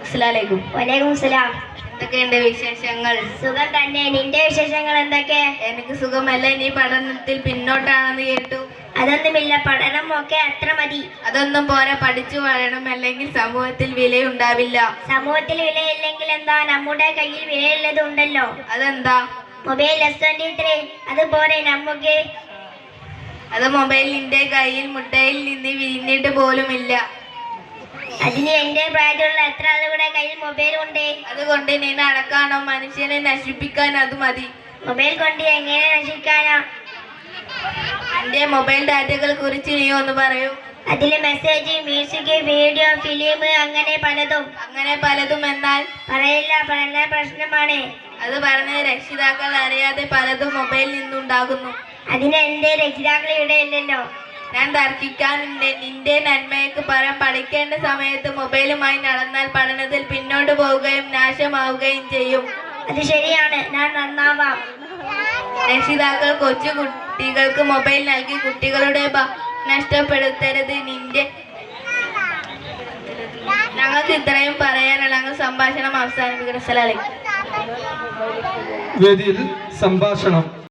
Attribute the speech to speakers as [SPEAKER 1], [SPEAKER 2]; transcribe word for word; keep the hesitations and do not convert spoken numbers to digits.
[SPEAKER 1] അസ്സലാമലൈക്കും.
[SPEAKER 2] വലൈക്കും സലാം.
[SPEAKER 1] എന്തൊക്കെയുണ്ട് വിശേഷങ്ങൾ?
[SPEAKER 2] സുഖം തന്നെ. നിന്റെ വിശേഷങ്ങൾ എന്തൊക്കെ?
[SPEAKER 1] എനിക്ക് സുഖമല്ല. നീ പഠനത്തിൽ പിന്നോട്ടാണെന്ന് കേട്ടു.
[SPEAKER 2] അതൊന്നുമില്ല, പഠനം ഒക്കെ അത്ര മതി.
[SPEAKER 1] അതൊന്നും പോരാ, പഠിച്ചു വളരണം, അല്ലെങ്കിൽ സമൂഹത്തിൽ വിലയുണ്ടാവില്ല.
[SPEAKER 2] സമൂഹത്തിൽ വിലയില്ലെങ്കിൽ എന്താ, നമ്മുടെ കയ്യിൽ വിലയുള്ളത് ഉണ്ടല്ലോ.
[SPEAKER 1] അതെന്താ?
[SPEAKER 2] Mobile S twenty three. അതുപോലെ നമുക്ക്
[SPEAKER 1] അത് മൊബൈൽ നിന്റെ കയ്യിൽ മുട്ടയിൽ നിന്ന് വിരിഞ്ഞിട്ട് പോലുമില്ല.
[SPEAKER 2] അതിന് എന്റെ പ്രായത്തിലുള്ള എത്ര ആളുകളുടെ കയ്യിൽ മൊബൈൽ ഉണ്ട്?
[SPEAKER 1] അതുകൊണ്ട് നീ നടക്കാനോ മനുഷ്യനെ നശിപ്പിക്കാൻ അത് മതി.
[SPEAKER 2] മൊബൈൽ കൊണ്ട് എങ്ങനെ നശിക്കാനാ?
[SPEAKER 1] എന്റെ മൊബൈൽ ഡാറ്റകളെ കുറിച്ച് നീ ഒന്ന് പറയൂ.
[SPEAKER 2] അതില് മെസ്സേജ്, മ്യൂസിക്, വീഡിയോ, ഫിലിം, അങ്ങനെ പലതും.
[SPEAKER 1] അങ്ങനെ പലതും എന്നാൽ?
[SPEAKER 2] പറയില്ല, പറഞ്ഞ പ്രശ്നമാണ്.
[SPEAKER 1] അത് പറഞ്ഞ രക്ഷിതാക്കൾ അറിയാതെ പലതും മൊബൈലിൽ നിന്നുണ്ടാകുന്നു.
[SPEAKER 2] അതിന് എന്റെ രക്ഷിതാക്കൾ ഇവിടെ ഇല്ലല്ലോ.
[SPEAKER 1] ഞാൻ തർക്കിക്കാനുണ്ട്. നിന്റെ നന്മയ്ക്ക് പറയാൻ, പഠിക്കേണ്ട സമയത്ത് മൊബൈലുമായി നടന്നാൽ പഠനത്തിൽ പിന്നോട്ട് പോവുകയും നാശമാവുകയും ചെയ്യും.
[SPEAKER 2] അത് ശരിയാണ്, ഞാൻ നന്നാവാം.
[SPEAKER 1] രക്ഷിതാക്കൾ കൊച്ചു കുട്ടികൾക്ക് മൊബൈൽ നൽകി കുട്ടികളുടെ നഷ്ടപ്പെടുത്തരുത്. നിന്റെ ഞങ്ങൾക്ക് ഇത്രയും പറയാനുള്ള ഞങ്ങൾ സംഭാഷണം അവസാനിപ്പിക്കണം.
[SPEAKER 3] വേദിയിൽ സംഭാഷണം